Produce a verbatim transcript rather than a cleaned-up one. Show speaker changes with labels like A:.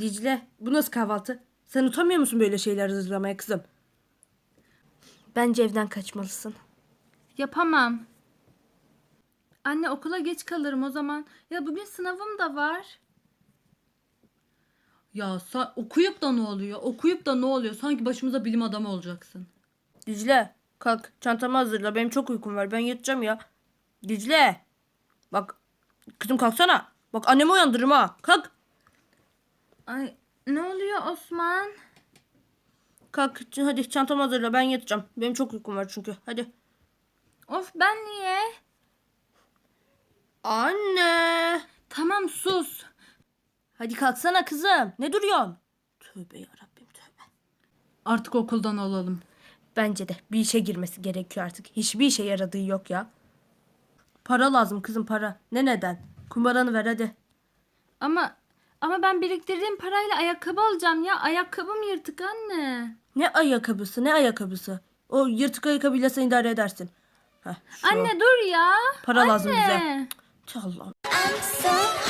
A: Dicle, bu nasıl kahvaltı? Sen utanmıyor musun böyle şeyler hazırlamaya kızım? Bence evden kaçmalısın.
B: Yapamam. Anne okula geç kalırım o zaman. Ya bugün sınavım da var. Ya sen okuyup da ne oluyor? Okuyup da ne oluyor? Sanki başımıza bilim adamı olacaksın.
A: Dicle, kalk çantamı hazırla. Benim çok uykum var. Ben yatacağım ya. Dicle. Bak kızım kalksana. Bak annemi uyandırırım ha. Kalk.
B: Ay ne oluyor Osman?
A: Kalk hadi çantamı hazırla. Ben yatacağım. Benim çok uykum var çünkü. Hadi.
B: Of ben niye?
A: Anne.
B: Tamam sus.
A: Hadi kalksana kızım. Ne duruyorsun? Tövbe yarabbim tövbe.
B: Artık okuldan alalım.
A: Bence de bir işe girmesi gerekiyor artık. Hiçbir işe yaradığı yok ya. Para lazım kızım para. Ne neden? Kumbaranı ver hadi.
B: Ama ama ben biriktirdiğim parayla ayakkabı alacağım ya. Ayakkabım yırtık anne.
A: Ne ayakkabısı ne ayakkabısı. O yırtık ayakkabıyla sen idare edersin. Heh, şu
B: Anne dur ya.
A: para lazım bize.
B: Anne.
A: Tüh Allah'ım.
C: I'm so